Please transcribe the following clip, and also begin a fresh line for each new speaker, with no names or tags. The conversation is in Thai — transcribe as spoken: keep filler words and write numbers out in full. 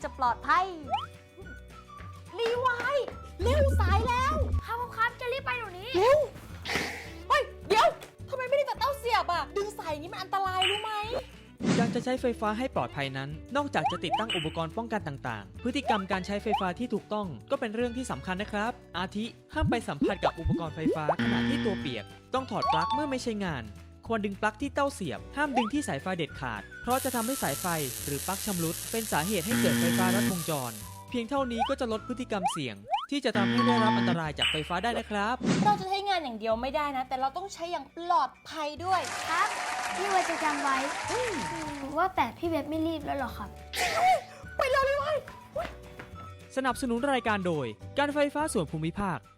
จะปลอดภัยรีไวด์เร็วสายแล้ว
ครับครับจะรีบไปเดี๋ยวนี้
เร็วเฮ้ยเดี๋ยวทำไมไม่ได้ตัดเต้าเสียบอะดึงสายอย่างนี้มันอันตรายรู้ไหม
การจะใช้ไฟฟ้าให้ปลอดภัยนั้น นอกจากจะติดตั้งอุปกรณ์ป้องกันต่างๆ พฤติกรรมการใช้ไฟฟ้าที่ถูกต้องก็เป็นเรื่องที่สำคัญนะครับ อาทิห้ามไปสัมผัสกับอุปกรณ์ไฟฟ้าขณะที่ตัวเปียก ต้องถอดปลั๊กเมื่อไม่ใช้งาน ควรดึงปลั๊กที่เต้าเสียบ ห้ามดึงที่สายไฟเด็ดขาด เพราะจะทำให้สายไฟหรือปลั๊กชำรุดเป็นสาเหตุให้เกิดไฟฟ้าลัดวงจร เพียงเท่านี้ก็จะลดพฤติกรรมเสี่ยง ที่จะทำให้ได้รับอันตรายจากไฟฟ้าได้นะครับ
เราจะใช้งานอย่างเดียวไม่ได้นะ แต่เราต้องใช้อย่างปลอดภัยด้วย
ครับพี่วาจะจำไว้อืมว่าแต่พี่เว็บไม่รีบแล้วหรอครับ
ไปเร็วเลยเว้ย
สนับสนุนรายการโดยการไฟฟ้าส่วนภูมิภาค